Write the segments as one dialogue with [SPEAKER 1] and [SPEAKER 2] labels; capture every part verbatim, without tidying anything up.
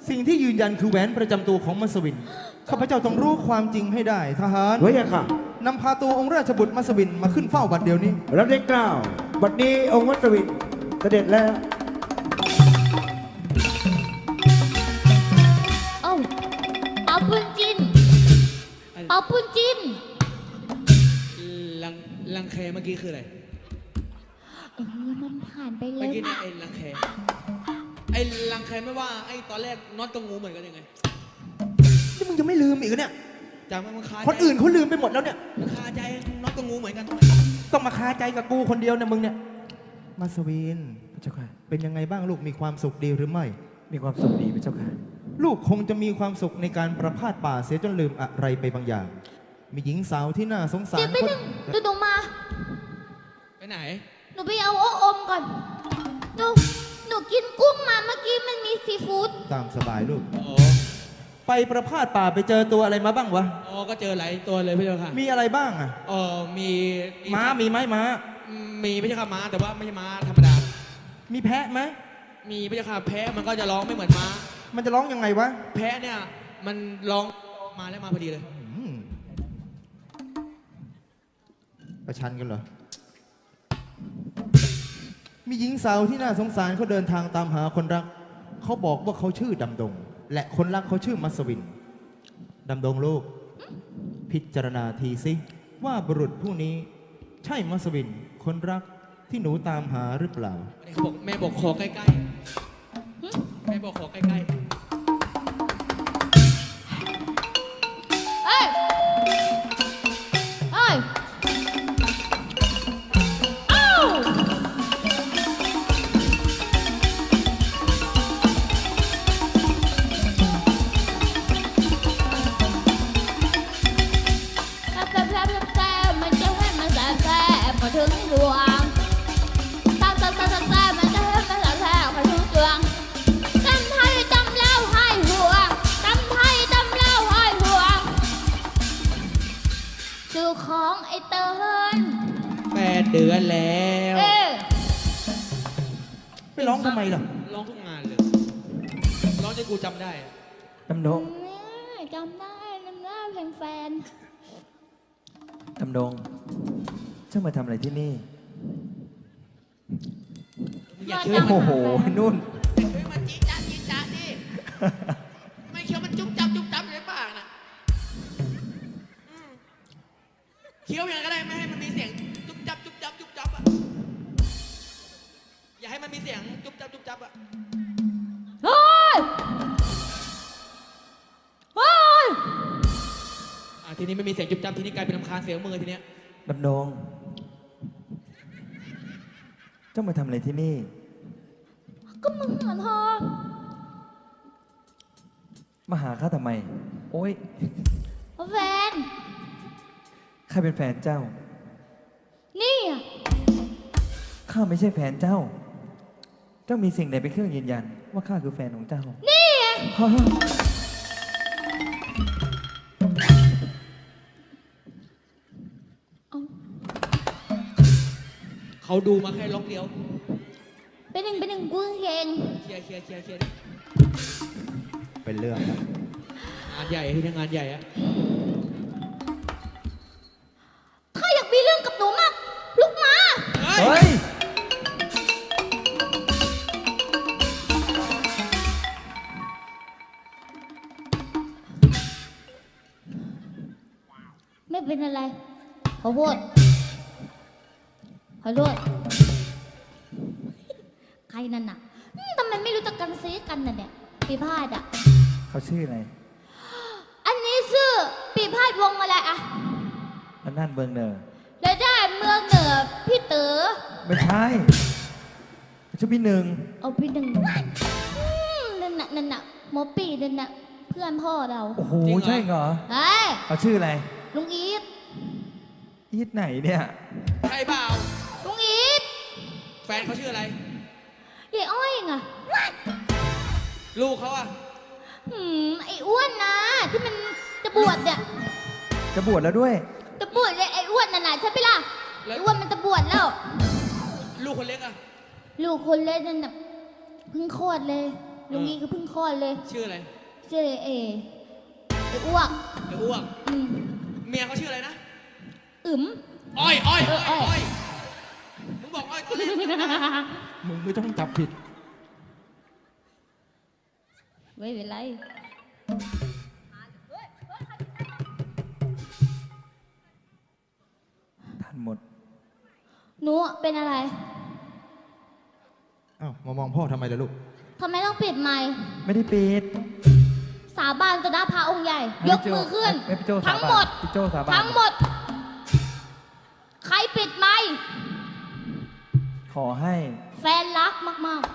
[SPEAKER 1] สิ่งที่ยืนยันคือแหวนประจำตัวของมัสวินข้าพเจ้าต้องรู้ความจริงให้ได้ทหาร
[SPEAKER 2] เฮ้ยค่ะ
[SPEAKER 1] นำพาตัวองค์ราชบุตรมัสวินมาขึ้นเฝ้าบัดเดี๋ยวนี้
[SPEAKER 2] รับได้กล่าวบัดนี้องค์วัตวินเสด็จแล้ว
[SPEAKER 3] เอ้าเอาปุนจินเอาปุนจิน
[SPEAKER 4] ลังลังแคเมื่อกี้คืออะไร
[SPEAKER 3] เออมันผ่านไปแล้
[SPEAKER 4] เมื่อ
[SPEAKER 3] ว
[SPEAKER 4] กี้เนี่ยไอ้ลังแคไอ้ลังแคไม่ว่าไอ้ตอนแรกน็อตกับงูเหมือนกันยังไง
[SPEAKER 1] นี่มึงจะไม่ลืมอีกเหรอเนี่ย
[SPEAKER 4] จำมันคาใจ
[SPEAKER 1] คนอื่นเขาลืมไปหมดแล้วเนี่ย
[SPEAKER 4] มันคาใจน็อตกับงูเหมือนกันทำไม
[SPEAKER 1] ต้องมาคาใจกับกูคนเดียวเนี่ยมึงเนี่ยมัสวิน
[SPEAKER 2] พระเจ้าค่ะ
[SPEAKER 1] เป็นยังไงบ้างลูกมีความสุขดีหรือไม่
[SPEAKER 2] มีความสุขดีพระเจ้าค่ะ
[SPEAKER 1] ลูกคงจะมีความสุขในการประพาสป่าเสียจนลืมอะไรไปบางอย่าง มีหญิงสาวที่น่าสงสา
[SPEAKER 3] เดี๋ย
[SPEAKER 1] ร
[SPEAKER 3] วไป
[SPEAKER 1] คน
[SPEAKER 3] หนึ่งดูหนูมา
[SPEAKER 4] ไปไหน
[SPEAKER 3] หนูไปเอาโอ้อมก่อน หนู หนูกินกุ้งมาเมื่อกี้มันมีซีฟู้ด
[SPEAKER 1] ตามสบายลูก
[SPEAKER 4] อ๋อ
[SPEAKER 1] ไปประพาสป่าไปเจอตัวอะไรมาบ้างวะ
[SPEAKER 4] อ๋อก็เจอหลายตัวเลยพี่เจ้าค่ะ
[SPEAKER 1] มีอะไรบ้างอ่ะ
[SPEAKER 4] เออมี
[SPEAKER 1] ม้ามีไหมม้า
[SPEAKER 4] มีไม่ใช่ค่ะม้าแต่ว่าไม่ใช่ม้าธรรมดา
[SPEAKER 1] มีแพะไหม
[SPEAKER 4] มีไม่ใช่ค่ะแพะมันก็จะร้องไม่เหมือนม้า
[SPEAKER 1] มันจะร้องยังไงวะ
[SPEAKER 4] แพะเนี่ยมันร้องมาแล้วมาพอดีเลย
[SPEAKER 1] อืมประชันกันเหรอ มีหญิงสาวที่น่าสงสารเขาเดินทางตามหาคนรัก เขาบอกว่าเขาชื่อดำดง และคนรักเขาชื่อมัสวิน ดำดงลูก พิจารณาทีสิว่าบุรุษผู้นี้ ใช่มัสวิน คนรักที่หนูตามหาหรือเปล่า
[SPEAKER 4] วันนี้เขาบอกแม่บอกขอใกล้ๆแม่บอกขอใกล้
[SPEAKER 3] เอ้ย เอ้ย เอ้า แซ่บแซ่บแซ่บแซ่บมันจะให้มันแซ่บแซ่บพอถึงดวงแซ่บแซ่บแซ่บแซ่บมันจะให้มันแซ่บแซ่บพอถึงดวงตำไทยตำเล่าให้ห่วงตำไทยตำเล่าให้ห่วงชื่อของไอ้เติ้ล
[SPEAKER 4] ๆแปดเดือนแล้ว
[SPEAKER 3] เอ๊ะ
[SPEAKER 1] ไปร้องทำไมล่ะ
[SPEAKER 4] ร้องทุกงานเลยร้องจนกูจำได้อะ
[SPEAKER 2] ดำดง
[SPEAKER 3] นี่จำได้จำได้เพลงแฟน
[SPEAKER 2] ดำดง เจ้ามาทำอะไรที่นี่
[SPEAKER 4] มึงอย่าเชื่อ
[SPEAKER 3] มา
[SPEAKER 4] มัน
[SPEAKER 2] โอ้โห นุ่น
[SPEAKER 4] อย่าเชื่อมันจีจ้าจีจ้าดิไม่เคี้ยวมันจุ๊บจับจุ๊บจับอยู่ในปากนะอืมเคี้ยวยังไงก็ได้ไม่ให้มันมีเสียงจุ๊บจับจุ๊บจับจุ๊บจับอ่ะอย่าให้มันมีเสียงจุ๊บจับจุ๊บจับอ่ะ
[SPEAKER 3] เฮ้ย เฮ้ย
[SPEAKER 4] อ่ะทีนี้ไม่มีเสียงจุ๊บจับทีนี้กลายเป็นลำคาญเสียงมือทีเนี้ย
[SPEAKER 2] ดำดง เจ้ามาทำอะไรที่นี่
[SPEAKER 3] ก็มึงเหรอเธอ
[SPEAKER 2] มาหาข้าทำไม โอ้ย
[SPEAKER 3] แฟน
[SPEAKER 2] ข้าเป็นแฟนเจ้า
[SPEAKER 3] นี่อะ
[SPEAKER 2] ข้าไม่ใช่แฟนเจ้า เจ้ามีสิ่งใดเป็นเครื่องยืนยัน ว่าข้าคือแฟนของเจ้า
[SPEAKER 3] นี่อะ
[SPEAKER 2] ฮะ
[SPEAKER 3] เอา
[SPEAKER 4] เขาดูมาแค่ล็อกเดียว
[SPEAKER 3] เป็นหนึ่งเป็นหนึ่งกูเอง
[SPEAKER 4] เคลียร์เคลียร์เคลียร์เคลียร์
[SPEAKER 1] เป็นเรื่องนะ
[SPEAKER 4] งานใหญ่ที่ทำงานใหญ่อะ
[SPEAKER 3] ถ้าอยากมีเรื่องกับหนูมาก ลุกมา
[SPEAKER 4] เฮ้
[SPEAKER 2] เฮ้
[SPEAKER 4] ย
[SPEAKER 2] ย
[SPEAKER 3] ไม่เป็นอะไร ขอโทษ ขอโทษ ใครนั่นน่ะอืมทำไมไม่รู้จักกันซีกันน่ะเนี่ย ปีพาดอ่ะ
[SPEAKER 2] เขาชื่ออะไร
[SPEAKER 3] อันนี้ชื่อปีพาดวงอะไรอะ
[SPEAKER 2] อันนั่นเบิงเนอร์
[SPEAKER 3] แล้วได้เมืองเหนือพี่เต๋อ
[SPEAKER 2] ไม่ใช่ชื่อพี่หนึ่ง
[SPEAKER 3] เอาพี่หนึ่งอืมนั่นน่ะนั่นน่ะหมอปีนั่นน่ะเพื่อนพ่อเรา
[SPEAKER 2] โอ้โห ใช่เหรอ
[SPEAKER 3] เฮ้ย
[SPEAKER 2] เขาชื่ออะไร
[SPEAKER 3] ลุงอีท
[SPEAKER 2] อีทไหนเนี่ย
[SPEAKER 4] ใช่เปล่า
[SPEAKER 3] ลุงอีท
[SPEAKER 4] แฟนเขาชื่ออะไร
[SPEAKER 3] ยายอ้อยไง
[SPEAKER 4] ลูกเขาอะ
[SPEAKER 3] หืมไอ้อ้วนนะที่มันจะบวชเนี่ย
[SPEAKER 2] จะบวชแล้วด้วย
[SPEAKER 3] จะบวชเลยไอ้อ้วนน่ะนะใช่ไหมล่ะไอ้อ้วนมันจะบวชแล้ว
[SPEAKER 4] ลูกคนเล็กอะ
[SPEAKER 3] ลูกคนเล็กนั่นน่ะเพิ่งคลอดเลยลุงนี้ก็เพิ่งคลอดเลย
[SPEAKER 4] ชื่ออะไร
[SPEAKER 3] ชื่อเอเอไอ้อ้วก
[SPEAKER 4] ไอ้อ้วก
[SPEAKER 3] อืม
[SPEAKER 4] เมียเขาชื่ออะไรนะ
[SPEAKER 3] อึ๋ม
[SPEAKER 4] อ้อยอ้อย
[SPEAKER 3] เอ
[SPEAKER 4] อ้
[SPEAKER 3] ออ้
[SPEAKER 4] อ
[SPEAKER 3] อย ย
[SPEAKER 4] อ้อยมึงบอกอ้อยตอนแรก
[SPEAKER 1] มึงไม่ต้องจับผิด
[SPEAKER 3] ไม่เป็นไร
[SPEAKER 2] ทันหมด
[SPEAKER 3] หนูเป็นอะไร
[SPEAKER 1] อ้าว มามองพ่อทำไมล่ะลูก
[SPEAKER 3] ทำไมต้องปิดไมค์
[SPEAKER 2] ไม่ได้ปิด
[SPEAKER 3] สาบานต่อหน้าพระองค์ใหญ่
[SPEAKER 2] ให้
[SPEAKER 3] ย
[SPEAKER 2] พี่
[SPEAKER 3] ก
[SPEAKER 2] โจ้
[SPEAKER 3] มือขึ้น
[SPEAKER 2] ให้พี่โจ้สาบาน
[SPEAKER 3] ทั้งหมด
[SPEAKER 2] พี่โจ้สาบาน
[SPEAKER 3] ทั้งหมด ใครปิดไมค์
[SPEAKER 2] ขอให้
[SPEAKER 3] แฟนรักมาก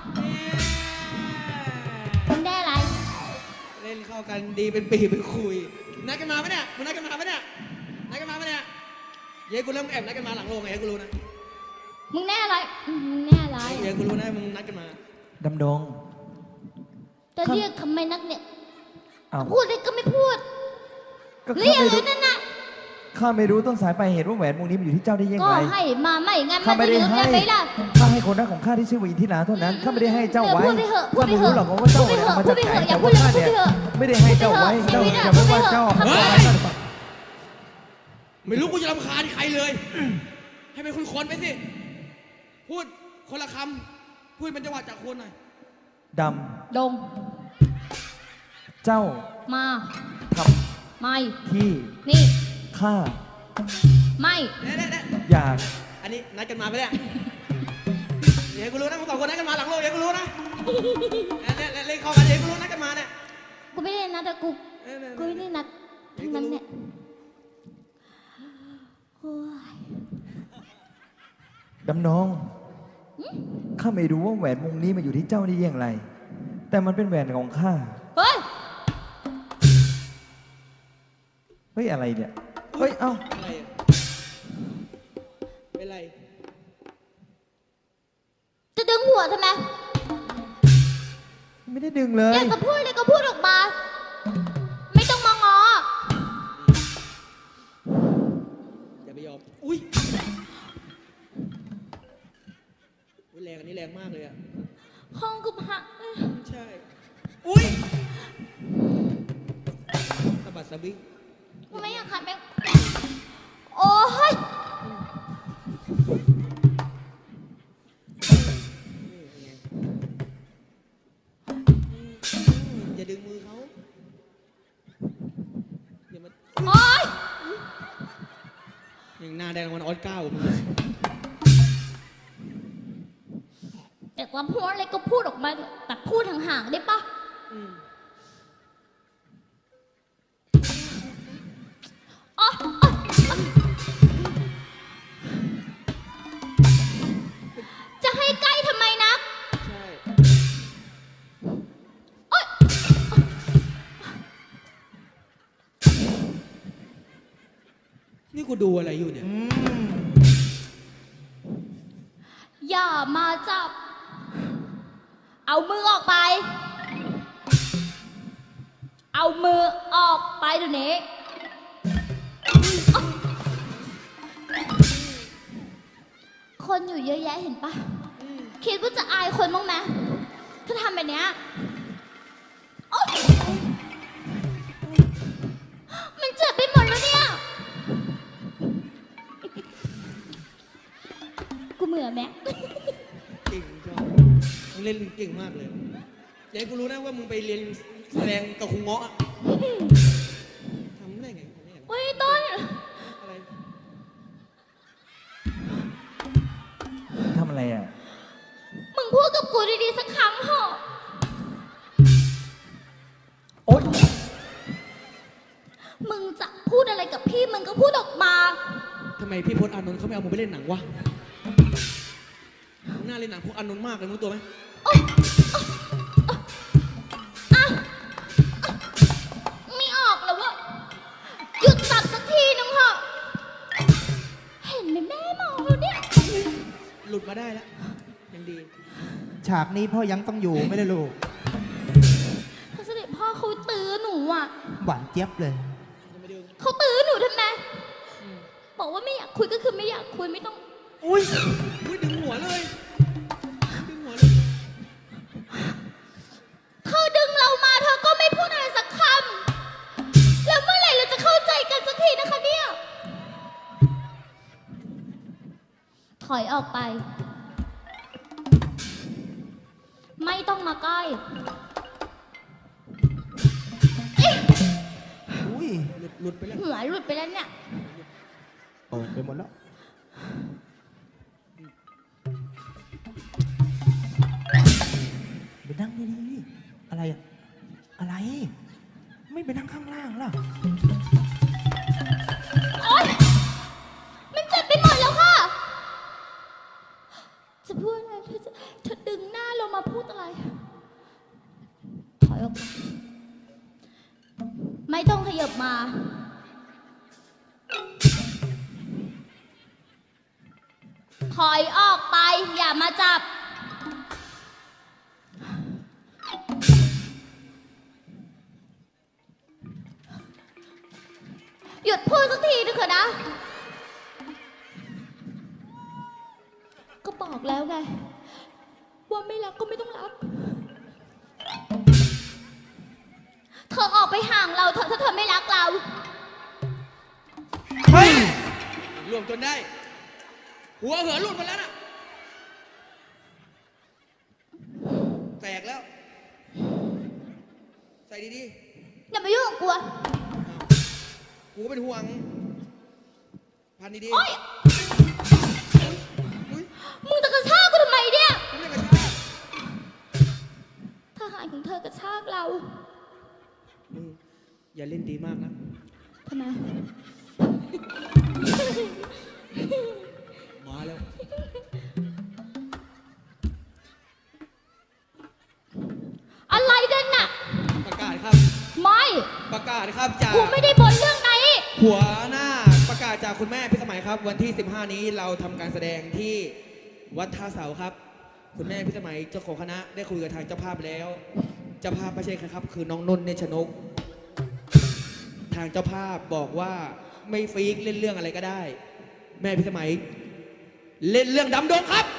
[SPEAKER 3] ๆคุณได้อะไร
[SPEAKER 4] เล่นเข้ากันดีเป็นปีเป็นคุย นัดกันมาปะเนี่ยมึงนัดกันมาปะเนี่ยนัดกันมาปะเนี่ยเย้กูเริ่มแอบนัดกันมาหลังโรงไงเย้กูรู้นะ
[SPEAKER 3] มึงแน่อะไรอืมมึงแน่อะไร
[SPEAKER 4] เย้กูรู้นะมึงนัดกันมา
[SPEAKER 2] ดำดง
[SPEAKER 3] จะเรียกทำไมนักเนี่ย
[SPEAKER 2] อ้าว
[SPEAKER 3] พูดเลยก็ไม่พูด
[SPEAKER 2] ก็
[SPEAKER 3] เรี
[SPEAKER 2] ข้าย
[SPEAKER 3] ก
[SPEAKER 2] ไม่
[SPEAKER 3] เล
[SPEAKER 2] รู้
[SPEAKER 3] ยนั่นน่ะ
[SPEAKER 2] ข้าไม่รู้ต้นสายปลายเหตุว่าแหวนวงนี้มันอยู่ที่เจ้าได้ยัง
[SPEAKER 3] ก็
[SPEAKER 2] ไง
[SPEAKER 3] ให้มาไม่งั้น
[SPEAKER 2] ข้า
[SPEAKER 3] มัน
[SPEAKER 2] ไม่
[SPEAKER 3] จะ
[SPEAKER 2] ได้
[SPEAKER 3] ลืม
[SPEAKER 2] ให้
[SPEAKER 3] ได้ไหมล่ะ
[SPEAKER 2] ข้าให้คนรักของข้าที่ชื่อว่าอินทิราเท่านั้น ข้าไม่ได้ให้เจ้าไว้
[SPEAKER 3] พูดไปเถอะพูด
[SPEAKER 2] ข้า
[SPEAKER 3] ไป
[SPEAKER 2] ไม่
[SPEAKER 3] เถ
[SPEAKER 2] รู้
[SPEAKER 3] อะ
[SPEAKER 2] หรอกว่าเจ้าเนี่ย
[SPEAKER 3] พู
[SPEAKER 2] เอา
[SPEAKER 3] ด
[SPEAKER 2] มา
[SPEAKER 3] ไป
[SPEAKER 2] จาก
[SPEAKER 3] เถ
[SPEAKER 2] ไหน
[SPEAKER 3] อะ
[SPEAKER 2] แต่ว่าข้า
[SPEAKER 3] พูดไป
[SPEAKER 2] เนี่ย
[SPEAKER 3] เถอะ
[SPEAKER 2] ไม่ได้ให้เจ้าไว้
[SPEAKER 3] พูด
[SPEAKER 2] เจ้า
[SPEAKER 3] ไปเถอะ
[SPEAKER 2] อย่าไปว่าเจ้า
[SPEAKER 3] พูดไป
[SPEAKER 2] เอา
[SPEAKER 3] เถอะ
[SPEAKER 2] ไว้ข้า
[SPEAKER 4] ไม่รู้กูจะรำคาญใครเลย ให้เป็นคนๆไปสิ พูดคนละคำพูดเป็นจังหวะจากคนหน่อย
[SPEAKER 2] ด
[SPEAKER 3] ดง
[SPEAKER 2] ำเจ้า
[SPEAKER 3] มา
[SPEAKER 2] ท
[SPEAKER 3] ไม่
[SPEAKER 2] ำที่
[SPEAKER 3] นี่
[SPEAKER 2] ข้า
[SPEAKER 3] ไม่
[SPEAKER 4] เน่เน่เน่
[SPEAKER 2] อยาก
[SPEAKER 4] อันนี้นัดกันมาปะเนี่ยเย้กูรู้นะมึงสองคนนัดกันมาหลังโรงเย้กูรู้นะเนี่ยเนี่ยเล่นเข้ากันเย้กูรู้นัดกันมาเนี่ย
[SPEAKER 3] กูไม่ได้นัดแต่กู
[SPEAKER 4] เออเออ
[SPEAKER 3] กูไม่ได้นัดทั้งนั้นเนี่ยโอ้ย
[SPEAKER 2] ดำนอง ข้าไม่รู้ว่าแหวนวงนี้มาอยู่ที่เจ้าได้อย่างไร แต่มันเป็นแหวนของข้า
[SPEAKER 3] เฮ้ย
[SPEAKER 2] เฮ้ยอะไรเนี่ย เฮ้ย เอ้า
[SPEAKER 4] อะไรอะเป็นไร
[SPEAKER 3] จะดึงหัวทำไม
[SPEAKER 2] ไม่ได้ดึงเล
[SPEAKER 3] อย ยากจะพูดเลยก็พูดออกมา ไม่ต้องมางอ
[SPEAKER 4] อย่าไปยอม อุ้ยอุ๊ยแรงอันนี้แรงมากเลยอะ
[SPEAKER 3] ห้องกูพัง
[SPEAKER 4] ใช่ อุ้ยสะบัดสะบิง
[SPEAKER 3] กูไม่อยากขัดแม่งโอ้ย
[SPEAKER 4] อย่าดึงมือเขาอย่ามา
[SPEAKER 3] โอ้ย
[SPEAKER 4] อย่างหน้าแดงมันออสเก้ามึง
[SPEAKER 3] แต่ความพูดอะไรก็พูดออกมาแต่พูดห่างๆได้ปะ
[SPEAKER 4] อืม
[SPEAKER 3] อ๋ออ๋ออ๋อจะให้ใกล้ทำไมนะ
[SPEAKER 4] ใช่
[SPEAKER 3] โอ๊ย
[SPEAKER 4] นี่กูดูอะไรอยู่เนี่ย
[SPEAKER 1] อืม
[SPEAKER 3] อย่ามาจับ เอามือออกไป เอามือออกไปเดี๋ยวนี้อ๊ะคนอยู่เยอะแยะเห็นปะ คิดว่าจะอายคนบ้างไหมถ้าทำแบบเนี้ยโอ๊ยมันเจ็บไปหมดแล้วเนี่ย กูเหมือนไหม
[SPEAKER 4] เก่งชอบมึงเล่นเก่งมากเลยอย่าให้กูรู้นะว่ามึงไปเรียนแสดงกับครูเงาะอะทำได้ไงทำได้ไง
[SPEAKER 3] เฮ้ยต้น
[SPEAKER 4] อะไร
[SPEAKER 2] ทำอะไรอ่ะ
[SPEAKER 3] มึงพูดกับกูดีๆสักครั้งเถอะ
[SPEAKER 2] โอ๊ย
[SPEAKER 3] มึงจะพูดอะไรกับพี่มึงก็พูดออกมา
[SPEAKER 4] ทำไมพี่พจน์อานนท์เขาไม่เอามึงไปเล่นหนังวะมึงน่าเล่นหนังพวกอานนท์มากเลยมึงรู้ตัวไหม
[SPEAKER 3] อ่ะไม่ออกแล้ววะหยุดตัดสักทีนึงเถอะ เห็นไหมแม่มองแล้วเนี่ย
[SPEAKER 4] หลุดมาได้แล้วยังดี
[SPEAKER 1] ฉากนี้พ่อยังต้องอยู่ไม่ได้ลูก
[SPEAKER 3] พระเสด็จพ่อเขาตื้อหนูอ่ะ
[SPEAKER 1] หวานเจี๊ยบเลย
[SPEAKER 4] จะไม่ดึง
[SPEAKER 3] เขาตื้อหนูทำไม
[SPEAKER 4] อืม
[SPEAKER 3] บอกว่าไม่อยากคุยก็คือไม่อยากคุยไม่ต้อง
[SPEAKER 4] อุ้ยอุ้ยดึงหัวเลยดึงหัวเลย
[SPEAKER 3] ทอกไป ไม่ต้องมาใกล้
[SPEAKER 1] อุ้ย
[SPEAKER 4] หลุดหลุดไปแล้ว
[SPEAKER 3] หัวหลุดไปแล้วเนี่ย
[SPEAKER 1] ออกไปหมดแล้ว ไปนั่งดีๆอะไรอะอะไร ไม่ไปนั่งข้างล่างล่ะ
[SPEAKER 3] โอ๊ยมันเจ็บไปหมดแล้วค่ะ จะพูดอะไรเธอจะเธอดึงหน้าลงมาพูดอะไร ถอยออกมาไม่ต้องขยับมา ถอยออกไป อย่ามาจับ หยุดพูดสักทีนึงเถอะนะ ก็บอกแล้วไง ว่าไม่รักก็ไม่ต้องรัก เธอออกไปห่างเราเถอะถ้าเธอไม่รักเรา
[SPEAKER 4] เฮ้ยรวมจนได้ หัวเหือหลุดมาแล้วน่ะ แตกแล้ว ใส่ดี
[SPEAKER 3] อย่ามายุ่งกับกูอะ
[SPEAKER 4] ๆ กูก็เป็นห่วง พันดีๆ
[SPEAKER 3] โอ๊ย
[SPEAKER 4] อุ๊ย
[SPEAKER 3] มึงจะกระชากกูทำไมเนี่ย
[SPEAKER 4] กูไม่ได้กระชาก
[SPEAKER 3] ทหารของเธอกระชากเรา
[SPEAKER 4] มึงอย่าเล่นดีมากนะ
[SPEAKER 3] ทำไม
[SPEAKER 4] มาแล้ว
[SPEAKER 3] อะไรกันน่ะ
[SPEAKER 4] ประกาศครับ
[SPEAKER 3] ไม่
[SPEAKER 4] ประกาศครับจาก
[SPEAKER 3] กูไม่ได้บนเรื่องไหน
[SPEAKER 4] หัวหน้าประกาศจากคุณแม่พิสมัยครับ วันที่ สิบห้า นี้เราทำการแสดงที่วัดท่าเสาครับ คุณแม่พิสมัยเจ้าของคณะได้คุยกับทางเจ้าภาพแล้ว เจ้าภาพไม่ใช่ใครครับ คือน้องนุ่นเนชนก ทางเจ้าภาพบอกว่าไม่ฟีกเล่นเรื่องอะไรก็ได้ แม่พิสมัย เล่นเรื่องดำดงครับ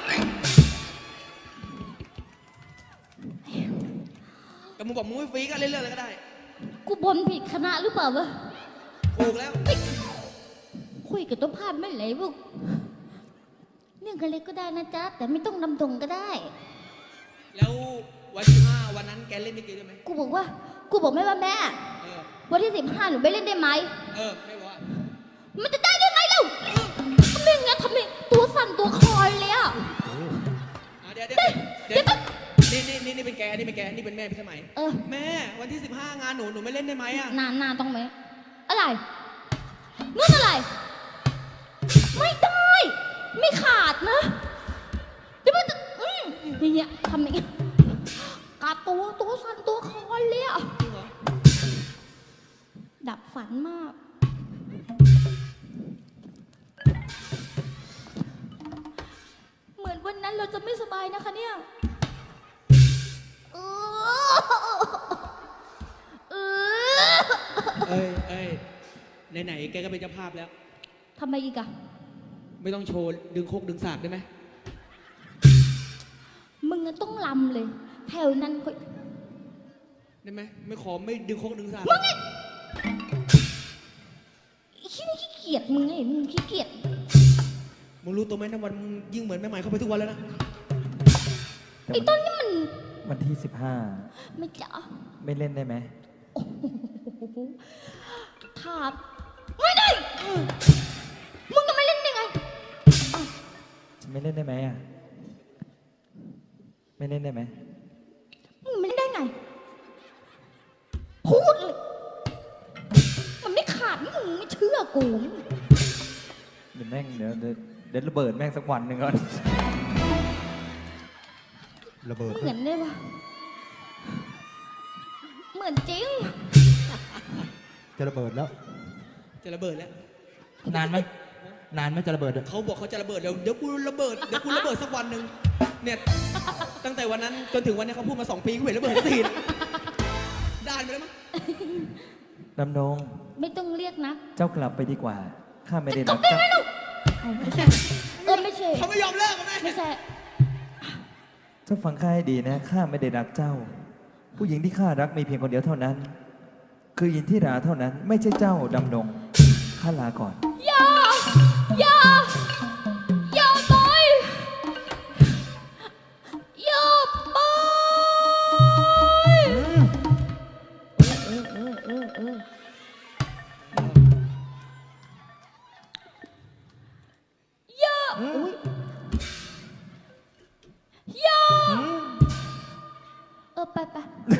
[SPEAKER 4] แต่มึงบอกมึงไม่ฟีกก็เล่นเรื่องอะไรก็ได้
[SPEAKER 3] กูบนผิดคณะหรือเปล่าวะ
[SPEAKER 4] ถูกแล้ว
[SPEAKER 3] คุยกับตัวภาพไม่ไหลบุกเรื่องอะไรก็ได้นะจ๊ะ แต่ไม่ต้องนำตรงก็ได้
[SPEAKER 4] แล้ววันที่ห้าวันนั้นแกเล่นลิเกด้วยไหม
[SPEAKER 3] กูบอกว่า กูบอกแม่ว่าแม่
[SPEAKER 4] เออ
[SPEAKER 3] วันที่สิบห้าหนูไปเล่นได้ไหม
[SPEAKER 4] เออไม่ว่า
[SPEAKER 3] มันจะได้ได้ไหมเล่าทำไมงั้นทำไมตัวสั่นตัวคลอยเลยอ่ะ
[SPEAKER 4] อ่ะเดี๋ยวเดี๋ยวเดี๋ยวนี่นี่นี่นี่เป็นแกนี่เป็นแกนี่เป็นแม่พี่สมัย
[SPEAKER 3] เออ
[SPEAKER 4] แม่วันที่สิบห้างานหนูหนูไม่เล่นได้ไหมอ่ะ
[SPEAKER 3] นานนานต้องไหม อะไรนู่นอะไร ไม่ได้ ไม่ขาดนะเดี๋ยวมันจะอืมอย่างเงี้ยทำอย่างเงี้ยกาตัวตัวสั่นตัวคลอยเลยอ่ะ
[SPEAKER 4] จริงเหรอ
[SPEAKER 3] ดับฝันมาก เหมือนวันนั้นเราจะไม่สบายนะคะเนี่ยเออเออ
[SPEAKER 4] เอ้ยเอ้ยไหนๆแกก็เป็นเจ้าภาพแล้ว
[SPEAKER 3] ทำไมอีกอะ
[SPEAKER 4] ไม่ต้องโชว์ดึงโคกดึงสากได้ไหม
[SPEAKER 3] มึงอะต้องลำเลย แถวนั้นค่อย
[SPEAKER 4] ได้ไหมไม่ขอไม่ดึงโคกดึงสาก
[SPEAKER 3] มึงไอ้ขี้นี่ขี้เกียจมึงไงมึงขี้เกียจ
[SPEAKER 4] มึงรู้ตัวไหมนะวันมึงยิ่งเหมือนแม่ใหม่เข้าไปทุกวันแล้วนะ
[SPEAKER 3] ไอ้ต้นนี่มัน
[SPEAKER 2] วันที่สิบห้า
[SPEAKER 3] ไม่จ๋า
[SPEAKER 2] ไม่เล่นได้ไหม
[SPEAKER 3] โอ้โหถามไม่ได้มึงจะไม่เล่นได้ไง
[SPEAKER 2] ไม่เล่นได้ไหมอ่ะ ไม่เล่นได้ไหม
[SPEAKER 3] มึงไม่เล่นได้ไง พูดเลย มันไม่ขาดมึงไม่เชื่อกู
[SPEAKER 2] เดี๋ยวแม่งเดี๋ยวเดี๋ยวเดี๋ยวระเบิดแม่งสักวันหนึ่งก่อน
[SPEAKER 1] ระเบิด
[SPEAKER 3] เหมือนได้ปะเหมือนจริง
[SPEAKER 1] จะระเบิดแล้ว
[SPEAKER 4] จะระเบิดแล้ว
[SPEAKER 1] นานไหมนานไหมจะระเบิดอะ
[SPEAKER 4] เขาบอกเขาจะระเบิดเดี๋ยวเดี๋ยวกูระเบิดเดี๋ยวกูระเบิดสักวันหนึ่งเนี่ยตั้งแต่วันนั้นจนถึงวันนี้เขาพูดมาสองปีกูเห็นระเบิดสักทีนะด้านไปแล้วมั้ง
[SPEAKER 2] ดำดง
[SPEAKER 3] ไม่ต้องเรียกนะ
[SPEAKER 2] เจ้ากลับไปดีกว่า ข้าไม่ได้
[SPEAKER 3] ต
[SPEAKER 2] รั
[SPEAKER 3] บ
[SPEAKER 2] ก
[SPEAKER 3] ได้
[SPEAKER 2] เจ้า
[SPEAKER 3] ไหมลูกเอาไม่ใช่เออไม่ใช่
[SPEAKER 4] เขาไม่ยอมเลิกกันแม่
[SPEAKER 3] ไม่ใช่
[SPEAKER 2] เจ้าฟังข้าให้ดีนะ ข้าไม่ได้รักเจ้า ผู้หญิงที่ข้ารักมีเพียงคนเดียวเท่านั้น คือยินที่ราเท่านั้น ไม่ใช่เจ้าดำดง ข้าลาก่อน
[SPEAKER 3] อย่า อย่า อย่าไปเออเออเออเยอะอุ้ยเยอะเออไปไป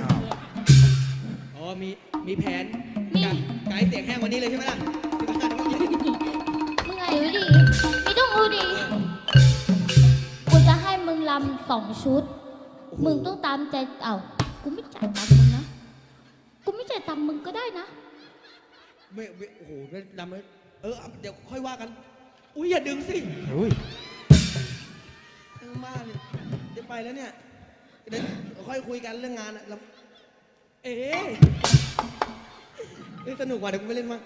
[SPEAKER 4] อ๋อ มี มีแผน
[SPEAKER 3] มี
[SPEAKER 4] การไกด์เสียงแห้งวันนี้เลยใช่ไหมล่ะที่บ้าน
[SPEAKER 3] มึงไงวะดิไม่ต้องอูดิกูจะให้มึงลำสองชุด มึงต้องตามใจเอ้ากูไม่จ่ายตังค์มึงนะ กูไม่จ่ายตังค์มึงก็ได้นะ
[SPEAKER 4] ไม่ไม่โอ้โหไม่ดำเลยเออ เดี๋ยวค่อยว่ากัน อุ้ยอย่าดึงสิ
[SPEAKER 1] อุ้ย
[SPEAKER 4] เออมาเนี่ยเดี๋ยวไปแล้วเนี่ย เดี๋ยวค่อยคุยกันเรื่องงานอะแล้วเอ๊ะเอ้ยสนุกว่ะเดี๋ยวกูไปเล่นมา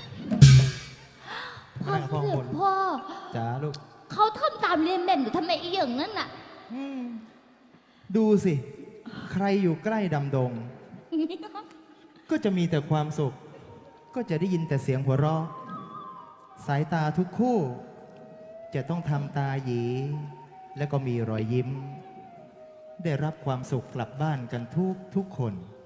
[SPEAKER 3] พ่อเสด็จพ่อ
[SPEAKER 1] จ้าลูก
[SPEAKER 3] เขาทำตามเรียนแบบอยู่ทำไมไอ้อย่างนั้นน่ะ
[SPEAKER 1] อืมดูสิ ใครอยู่ใกล้ดำดง ก็จะมีแต่ความสุข ก็จะได้ยินแต่เสียงหัวเราะ สายตาทุกคู่ จะต้องทำตาหยี และก็มีรอยยิ้ม ได้รับความสุขกลับบ้านกันทุกทุกคน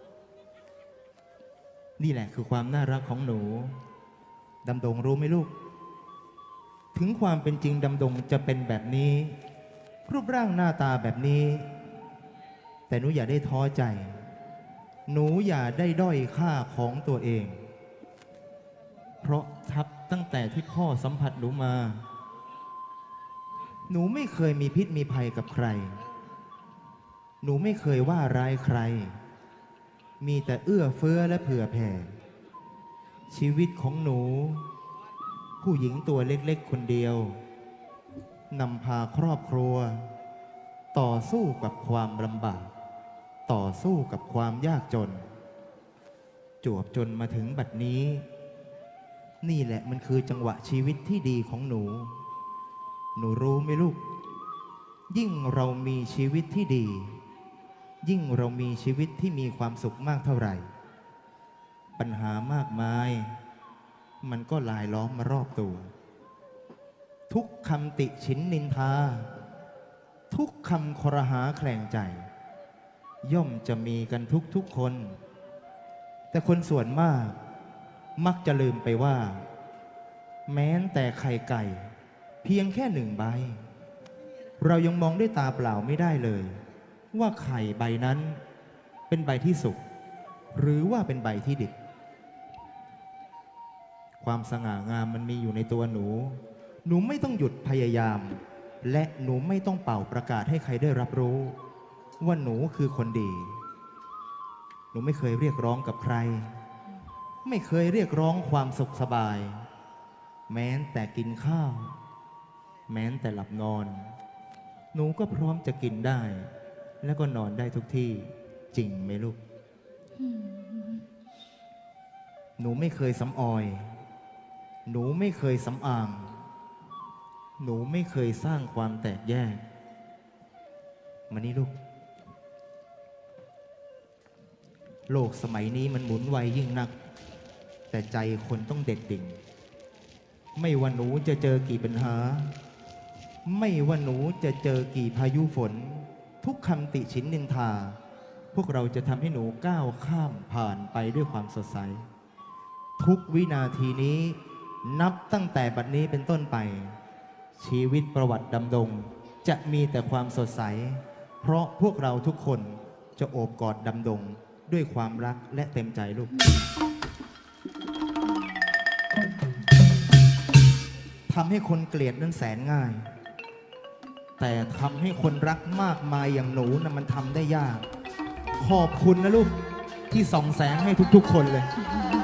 [SPEAKER 1] นี่แหละคือความน่ารักของหนูดำดงรู้ไหมลูก ถึงความเป็นจริงดำดงจะเป็นแบบนี้ รูปร่างหน้าตาแบบนี้ แต่หนูอย่าได้ท้อใจ หนูอย่าได้ด้อยค่าของตัวเอง เพราะทับตั้งแต่ที่พ่อสัมผัสหนูมา หนูไม่เคยมีพิษมีภัยกับใคร หนูไม่เคยว่าร้ายใคร มีแต่เอื้อเฟื้อและเผื่อแผ่ ชีวิตของหนู ผู้หญิงตัวเล็กๆคนเดียวนำพาครอบครัว ต่อสู้กับความลำบาก ต่อสู้กับความยากจน จวบจนมาถึงบัดนี้ นี่แหละมันคือจังหวะชีวิตที่ดีของหนู หนูรู้ไหมลูก ยิ่งเรามีชีวิตที่ดี ยิ่งเรามีชีวิตที่มีความสุขมากเท่าไหร่ ปัญหามากมาย มันก็ลายล้อมมารอบตัว ทุกคำติฉินนินทา ทุกคำครหาแคลงใจ ย่อมจะมีกันทุกทุกคน แต่คนส่วนมาก มักจะลืมไปว่า แม้แต่ไข่ไก่ เพียงแค่หนึ่งใบ เรายังมองด้วยตาเปล่าไม่ได้เลย ว่าไข่ใบนั้นเป็นใบที่สุกหรือว่าเป็นใบที่ดิบ ความสง่างามมันมีอยู่ในตัวหนู หนูไม่ต้องหยุดพยายาม และหนูไม่ต้องเป่าประกาศให้ใครได้รับรู้ ว่าหนูคือคนดี หนูไม่เคยเรียกร้องกับใคร ไม่เคยเรียกร้องความสุขสบาย แม้แต่กินข้าว แม้แต่หลับนอน หนูก็พร้อมจะกินได้ แล้วก็นอนได้ทุกที่จริงไหมลูก หนูไม่เคยสำออย หนูไม่เคยสำอาง หนูไม่เคยสร้างความแตกแยก มานี่ลูก โลกสมัยนี้มันหมุนไวยิ่งนัก แต่ใจคนต้องเด็ดดิ่ง ไม่ว่าหนูจะเจอกี่ปัญหา ไม่ว่าหนูจะเจอกี่พายุฝน ทุกคำติฉินนินทา พวกเราจะทำให้หนูก้าวข้ามผ่านไปด้วยความสดใส ทุกวินาทีนี้นับตั้งแต่บัดนี้เป็นต้นไป ชีวิตประวัติดำดงจะมีแต่ความสดใส เพราะพวกเราทุกคนจะโอบกอดดำดงด้วยความรักและเต็มใจลูก ทำให้คนเกลียดนั้นแสนง่าย แต่ทำให้คนรักมากมายอย่างหนูนะมันทำได้ยาก ขอบคุณนะลูกที่ส่องแสงให้ทุกๆคนเลย
[SPEAKER 3] อ